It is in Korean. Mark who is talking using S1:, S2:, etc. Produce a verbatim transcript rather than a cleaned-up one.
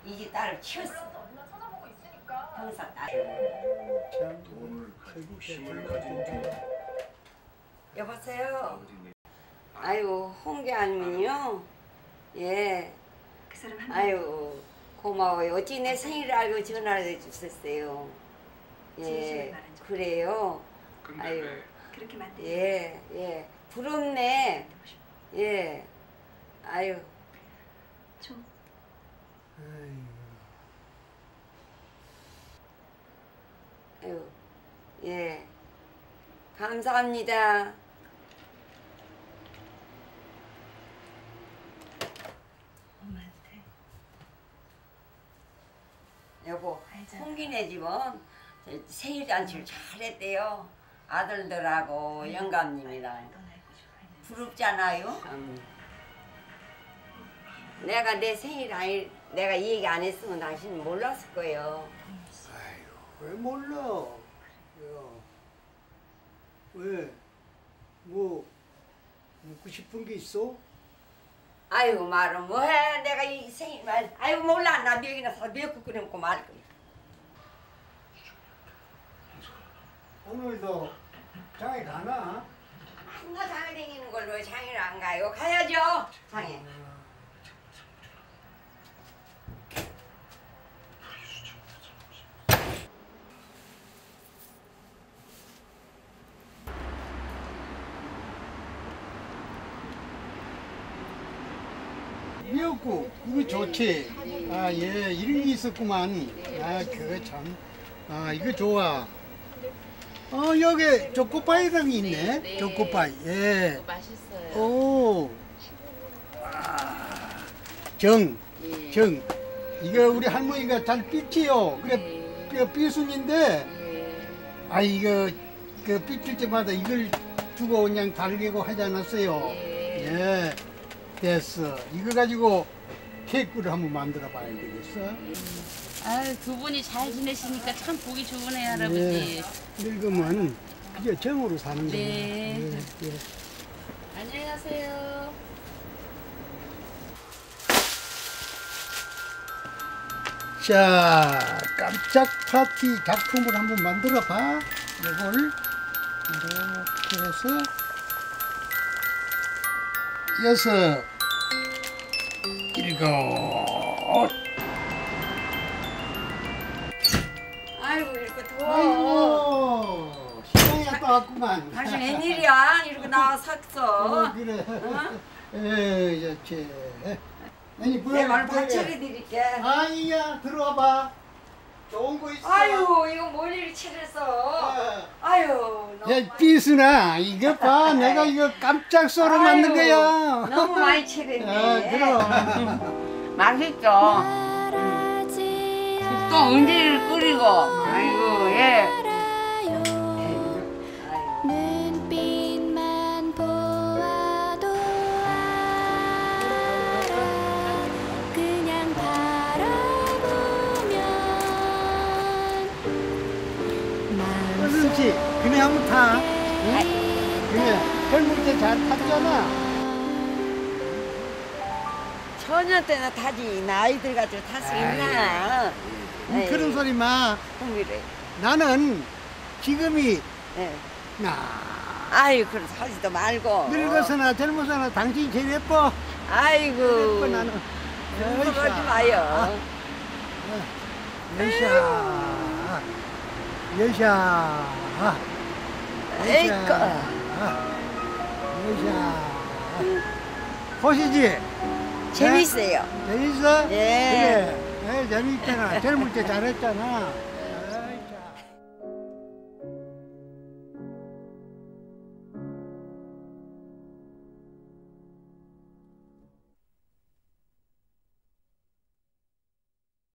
S1: 이제 딸을 키웠어. 형사 딸. 여보세요. 아유 홍게 아니면요. 예. 아유 고마워요. 어찌 내 생일을 알고 전화를 해주셨어요. 예. 그래요. 아유. 예, 예. 부럽네. 예. 아유. 아유. 예. 감사합니다.
S2: 엄마한테.
S1: 여보, 홍기네 집은 생일 잔치를 잘했대요. 아들들하고 영감님이랑. 부럽잖아요. 음. 내가 내 생일 아니, 내가 이 얘기 안 했으면 당신은 몰랐을 거예요.
S3: 아유, 왜 몰라? 야, 왜? 뭐 묻고 싶은 게 있어?
S1: 아유 말은 뭐해? 내가 이 생일 말. 아유 몰라. 나 미역이나 사서 미역국 끓여 먹고 말 거야.
S3: 오늘도 장에 가나?
S1: 맨날 장에 다니는 걸 왜 장에를 안 가요? 가야죠. 장에.
S3: 미역국 이거 좋지. 아 예, 이런 게 있었구만. 아 그거 참. 아 이거 좋아. 어 여기 초코파이랑이 있네. 초코파이. 예.
S2: 맛있어요.
S3: 오. 아, 정. 정. 이거 우리 할머니가 잘 삐치요. 그래 그 삐순인데. 아 이거 그 삐칠 때마다 이걸 주고 그냥 달리고 하지 않았어요. 예. 됐어. 이거 가지고 케이크를 한번 만들어 봐야 되겠어.
S2: 아유, 두 분이 잘 지내시니까 참 보기 좋으네요, 할아버지.
S3: 예. 늙으면 그게 정으로 사는 거예요.
S2: 네.
S3: 예, 예.
S2: 안녕히 가세요.
S3: 자, 깜짝 파티 작품을 한번 만들어 봐. 이걸 이렇게 해서 여섯, 일곱.
S1: 아이고 이렇게 더워.
S3: 아이고, 시간이 갔다 왔구만.
S1: 당신 웬일이야? 이렇게 나와 섰어.
S3: 어, 그래.
S1: 어?
S3: 에, 좋지. 아니,
S1: 내가 오늘
S3: 뭐야,
S1: 밥 차려드릴게.
S3: 아이야, 들어와 봐. 좋은 거 있어.
S1: 아유 이거 뭘 이리 차렸어.
S3: 아.
S1: 아유 너무
S3: 야, 삐순아, 이거 봐. 내가 이거 깜짝 썰어 만든
S1: 아유,
S3: 거야.
S1: 너무 많이 차렸네.
S3: 아, 그럼.
S1: 맛있죠. 또 은지를 끓이고. 아이고 예.
S4: 눈빛만 보아도 알아. 그냥 바라보면
S3: 그렇지. 그네 한번 타. 응? 그래. 젊을 때 잘 탔잖아.
S1: 처녀 때나 타지 나이들 가지고 탈 수 있나?
S3: 응, 그런 소리 마.
S1: 흥미래.
S3: 나는 지금이
S1: 예.
S3: 나
S1: 아유 그럼 하지도 말고.
S3: 늙어서나 젊어서나 당신이 제일 예뻐.
S1: 아이고.
S3: 예뻐 나는.
S1: 그러지 마요.
S3: 여샤. 여샤.
S1: 에이꺼.
S3: 여샤. 보시지.
S1: 재밌어요.
S3: 재밌어?
S1: 예.
S3: 그래. 예, 재밌잖아. 젊을 때 잘했잖아.